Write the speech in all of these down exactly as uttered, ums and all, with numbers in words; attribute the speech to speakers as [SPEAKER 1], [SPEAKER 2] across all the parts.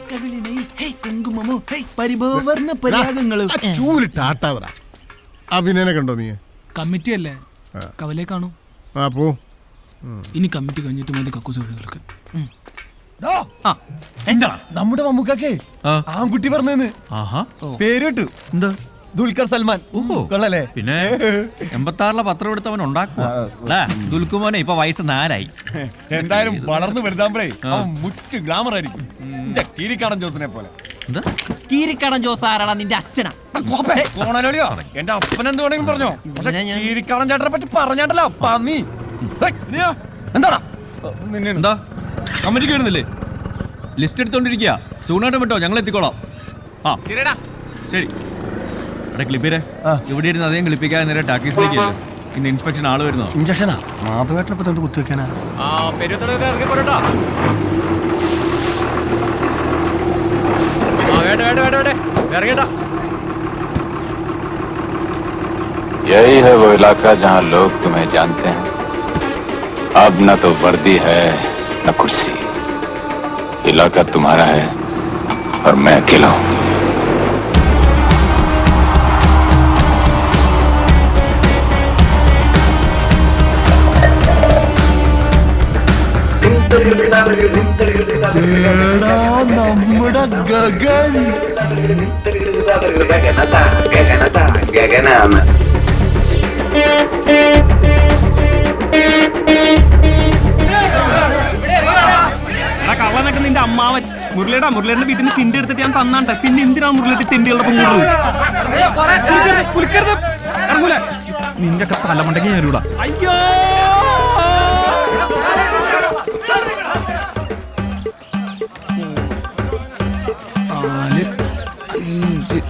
[SPEAKER 1] അഭിനയനെ കണ്ടോ നീ?
[SPEAKER 2] കമ്മിറ്റി അല്ലേ, കവലേ കാണൂ.
[SPEAKER 1] ആ പോ.
[SPEAKER 2] ഇനി കമ്മിറ്റി കഴിഞ്ഞിട്ട് മതി കക്കൂസ് വഴികൾക്ക്.
[SPEAKER 3] എന്താ നമ്മുടെ മമ്മൂക്കാക്കേ ആൺകുട്ടി പറഞ്ഞെന്ന് പേര് കിട്ടു. എന്താ? ദുൽഖർ സൽമാൻ. കൊള്ളല്ലേ?
[SPEAKER 4] പിന്നെ എൺപത്തി ആറിലെ പത്രം എടുത്തവൻ ഉണ്ടാക്കുക. ദുൽഖുമോനെ ഇപ്പൊ വയസ്സ് നാലായി.
[SPEAKER 3] എന്തായാലും വളർന്നു വലുതാകുമ്പോഴേ അവൻ മുറ്റ് ഗ്ലാമർ ആയിരിക്കും. കീരിക്കാടൻ ജോസിനെ പോലെ.
[SPEAKER 4] കീരിക്കാടൻ ജോസ് ആരാടാ? നിന്റെ അച്ഛനാ?
[SPEAKER 3] എന്റെ അപ്പൻ എന്ത് വേണമെങ്കിലും പറഞ്ഞോ. കീരിക്കാടൻ ചേട്ടനെ പറ്റി പറഞ്ഞാട്ടല്ലോ പന്നി. എന്താടാ
[SPEAKER 4] എന്താ കമ്മിറ്റിക്ക് വരുന്നില്ലേ? ലിസ്റ്റ് എടുത്തോണ്ടിരിക്കുക. സൂണാട്ടം വിട്ടോ, ഞങ്ങൾ എത്തിക്കോളാം. ആ ശരി. ക്ലിപ്പിരെ ഇവിടെ ഇരുന്ന് അധികം ക്ലിപ്പിക്കാതെ നേരെ ടാക്കീസിലേക്ക്. ഇന്ന് ഇൻസ്പെക്ഷൻ ആള് വരുന്നോ?
[SPEAKER 3] ഇഞ്ചക്ഷനാ മാധവേട്ടനപ്പോ എന്ത് കുത്തിവെക്കാനാ?
[SPEAKER 5] यही है वो इलाका जहाँ लोग तुम्हें जानते हैं. अब न तो वर्दी है न कुर्सी. इलाका तुम्हारा है और मैं अकेला हूँ.
[SPEAKER 3] നമ്മുടെ ഗഗൻ
[SPEAKER 5] ഗഗനാണ്.
[SPEAKER 4] കള്ളനൊക്കെ നിന്റെ അമ്മാവൻ മുരളിയുടെ മുരളിയുടെ വീട്ടിൽ നിന്ന് തിണ്ടി എടുത്തിട്ട് ഞാൻ തന്നാട്ടെ. പിന്നെ എന്തിനാണ് മുരളിയുടെ തിണ്ടികളുടെ പൊങ്ങുള്ളത്? നിന്റെ ഒക്കെ തലമുണ്ടെങ്കിൽ ഞാനിവിടെ. അയ്യോ
[SPEAKER 2] നാല് അഞ്ച്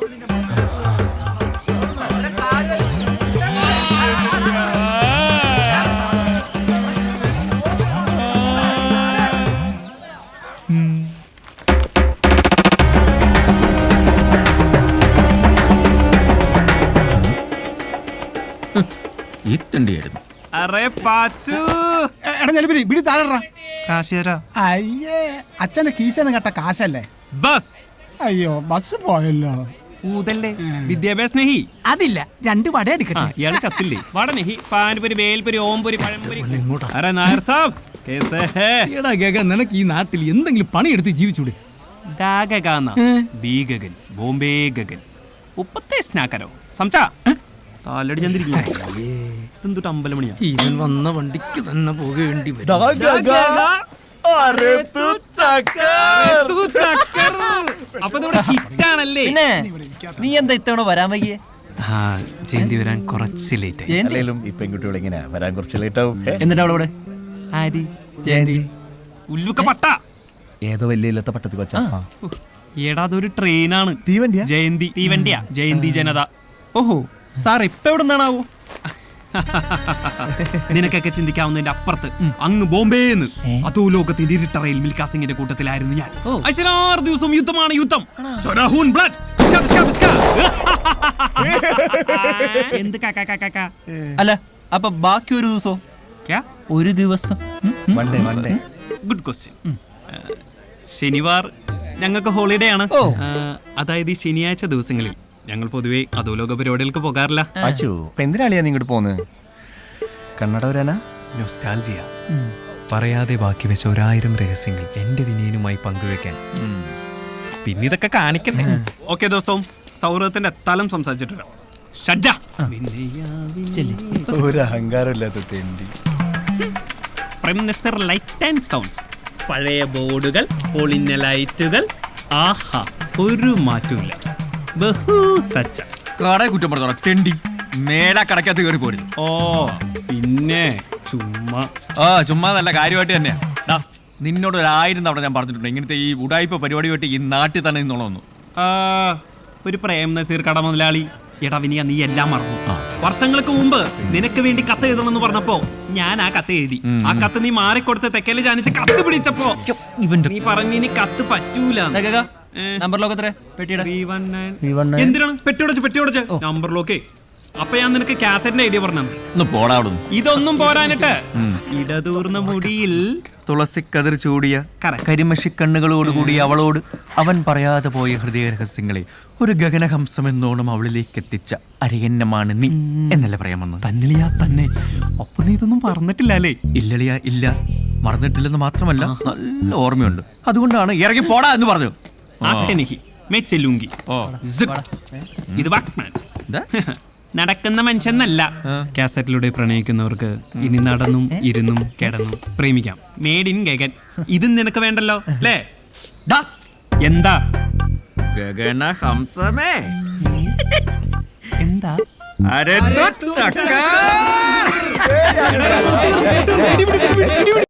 [SPEAKER 4] ഈ തിണ്ടിയായിരുന്നു. അറേ പാച്ചു
[SPEAKER 1] ബിടി താഴെ.
[SPEAKER 6] അയ്യേ അച്ഛന്റെ കീശന്ന് കേട്ട കാശല്ലേ?
[SPEAKER 4] ബസ്.
[SPEAKER 6] അയ്യോ ബസ് പോയല്ലോ.
[SPEAKER 4] ഊതല്ലേ വിദ്യാഭ്യാസ നെഹി.
[SPEAKER 2] അതില്ല, രണ്ട് വട എടുക്കട്ടെ.
[SPEAKER 4] ഇയാള് ചത്തില്ലേ? വട നെഹി, പാൻപുരി, ബേൽപുരി, ഓംപുരി, പഴംപുരി. അറേ നായർ സാബ് കേസേ ഹേ?
[SPEAKER 2] എടാ ഗഗൻ, നിനക്ക് ഈ നാട്ടിൽ എന്തെങ്കിലും പണിയെടുത്ത് ജീവിച്ചൂടെ?
[SPEAKER 4] ഗഗൻ ബോംബെ ഗഗൻ ഉപ്പത്തെ സ്നാക്കരോ സംസാ താലടി ചന്ദ്രിക്കും. എന്തൊട്ട് അമ്പലം മണിയാ?
[SPEAKER 2] ഇവൻ വന്ന വണ്ടിക്ക് തന്നെ പോകേണ്ടി വരും.
[SPEAKER 4] അപ്പൊ ഹിറ്റാണല്ലേ?
[SPEAKER 7] നീ എന്താ ഇത്തവണ വരാൻ വൈകിയേ?
[SPEAKER 4] ജയന്തി വരാൻ കുറച്ച് ലേറ്റ് ആയി.
[SPEAKER 3] ഈ പെൺകുട്ടികൾ ഇങ്ങനെ വരാൻ കുറച്ച് ലേറ്റ് ആവും.
[SPEAKER 7] എന്നിട്ട് അവളവിടെ
[SPEAKER 4] ആരി
[SPEAKER 7] ജയന്തി
[SPEAKER 4] ഉല്ലുക്ക പട്ട
[SPEAKER 3] ഏതോ വലിയ ഇല്ലാത്ത പട്ടത്തി കൊച്ചാ.
[SPEAKER 4] ഏടാ അതൊരു ട്രെയിനാണ്.
[SPEAKER 3] തീവണ്ടിയാ?
[SPEAKER 4] ജയന്തി തീവണ്ടിയാ. ജയന്തി ജനത. ഓഹോ സാർ ഇപ്പൊ എവിടെ നിന്നാണാവോ? നിനക്കൊക്കെ ചിന്തിക്കാവുന്നതിന്റെ അപ്പുറത്ത് അങ്ങ് ബോംബെന്ന് അതോ ലോകത്തിന്റെ ഇരുട്ട റെയിൽ മിൽഖാ സിംഗിന്റെ കൂട്ടത്തിലായിരുന്നു ഞാൻ. ആറ് ദിവസവും യുദ്ധമാണ് യുദ്ധം. എന്ത്
[SPEAKER 7] അല്ല അപ്പൊ ബാക്കി ഒരു ദിവസോ? ഒരു ദിവസം
[SPEAKER 4] ഗുഡ് ക്വസ്റ്റ്യൻ. ശനിവാർ ഞങ്ങൾക്ക് ഹോളിഡേ ആണ്. അതായത് ഈ ശനിയാഴ്ച ദിവസങ്ങളിൽ ഞങ്ങൾ പൊതുവെ അധോലോക പരിപാടികൾക്ക് പോകാറില്ല.
[SPEAKER 3] എന്തിനാളിയാ നീ ഇങ്ങോട്ട് പോന്ന്? കണ്ണട വരാനാ?
[SPEAKER 4] നൊസ്റ്റാൾജിയ. പറയാതെ ബാക്കി വെച്ച ഒരായിരം രഹസ്യങ്ങൾ എന്റെ വിനയനുമായി പങ്കുവെക്കാൻ. പിന്നെ ഇതൊക്കെ കാണിക്കണ്ടേ? ഓക്കെ ദോസ്തവും സൗഹൃദത്തിന്റെ തലം സംസാരിച്ചിട്ടുണ്ട്.
[SPEAKER 3] ഒരു അഹങ്കാരമില്ലാത്ത തെണ്ടി.
[SPEAKER 4] Prime minister light and sounds. പഴയ ബോർഡുകൾ, പൊളിഞ്ഞ ലൈറ്റുകൾ. ആഹാ, ഒരു മാറ്റമില്ല.
[SPEAKER 3] കടയെ കുറ്റം പറഞ്ഞോളാം തെണ്ടി. മേലാ കടക്കകത്ത് കയറി പോരുന്നു.
[SPEAKER 4] ഓ പിന്നെ ചുമ്മാ.
[SPEAKER 3] ആ ചുമ്മാ നല്ല കാര്യമായിട്ട് തന്നെയാ. നിന്നോട് ഒരു ആയിരം തവണ ഞാൻ പറഞ്ഞിട്ടുണ്ട് ഇങ്ങനത്തെ ഈ ഉടായ്പ പരിപാടി വെട്ടി ഈ നാട്ടിൽ തന്നെ നിന്നോളൊന്നു.
[SPEAKER 4] ഒരു പ്രേം നസീർ കട മുതലാളി. എടാ വിനിയ, നീ എല്ലാം മറന്നു. വർഷങ്ങൾക്ക് മുമ്പ് നിനക്ക് വേണ്ടി കത്ത് എഴുതണമെന്ന് പറഞ്ഞപ്പോ ഞാൻ ആ കത്ത് എഴുതി. ആ കത്ത് നീ മാറിക്കൊടുത്ത് തെക്കല് ജാനിച്ച് കത്ത് പിടിച്ചപ്പോ നീ പറഞ്ഞു ഇനി കത്ത് പറ്റൂല.
[SPEAKER 7] നമ്പർ ലോക്ക് എത്ര? പെട്ടിയുടെ
[SPEAKER 4] എന്തിനാണ് പെട്ടിയോടച്ച് പെട്ടിയോടച്ച് നമ്പർ ലോക്കേ അപ്പൊ ഞാൻ നിനക്ക് കാസറ്റിന്റെ ഐഡിയ പറഞ്ഞു.
[SPEAKER 7] ഒന്ന് പോടാ അവിടുന്ന്.
[SPEAKER 4] ഇതൊന്നും പോരാനിട്ട് ഇടതൂർന്ന മുടിയിൽ
[SPEAKER 7] തുളസിക്കതിർ ചൂടിയ
[SPEAKER 4] Correct.
[SPEAKER 7] കരിമഷി കണ്ണുകളോടുകൂടി അവളോട് അവൻ പറയാതെ പോയ ഹൃദയ രഹസ്യങ്ങളെ ഒരു ഗഗനഹംസം എന്നോണം അവളിലേക്ക് എത്തിച്ച അരയന്നമാണ് നീ എന്നല്ലേ പറയാൻ വന്നത്?
[SPEAKER 4] തന്നിളിയാ തന്നെ. അപ്പൊ നീ ഇതൊന്നും പറഞ്ഞിട്ടില്ല അല്ലേ?
[SPEAKER 7] ഇല്ലളിയ ഇല്ല, മറന്നിട്ടില്ലെന്ന് മാത്രമല്ല നല്ല ഓർമ്മയുണ്ട്. അതുകൊണ്ടാണ് ഇറങ്ങി പോടാ എന്ന് പറഞ്ഞു.
[SPEAKER 4] ആട്ടെനിക്ക് മെച്ചെല്ലുങ്കി.
[SPEAKER 7] ഓ
[SPEAKER 4] ഇത് വാക്മാൻ. നടക്കുന്ന മനുഷ്യന്നല്ല. കാസറ്റിലൂടെ പ്രണയിക്കുന്നവർക്ക് ഇനി നടന്നും ഇരുന്നും കിടന്നും പ്രേമിക്കാം. Made in Gagan. ഇതും നിനക്ക് വേണ്ടല്ലോ അല്ലേ? എന്താ
[SPEAKER 7] ഗഗനഹംസമേ
[SPEAKER 4] എന്താ
[SPEAKER 7] അരെ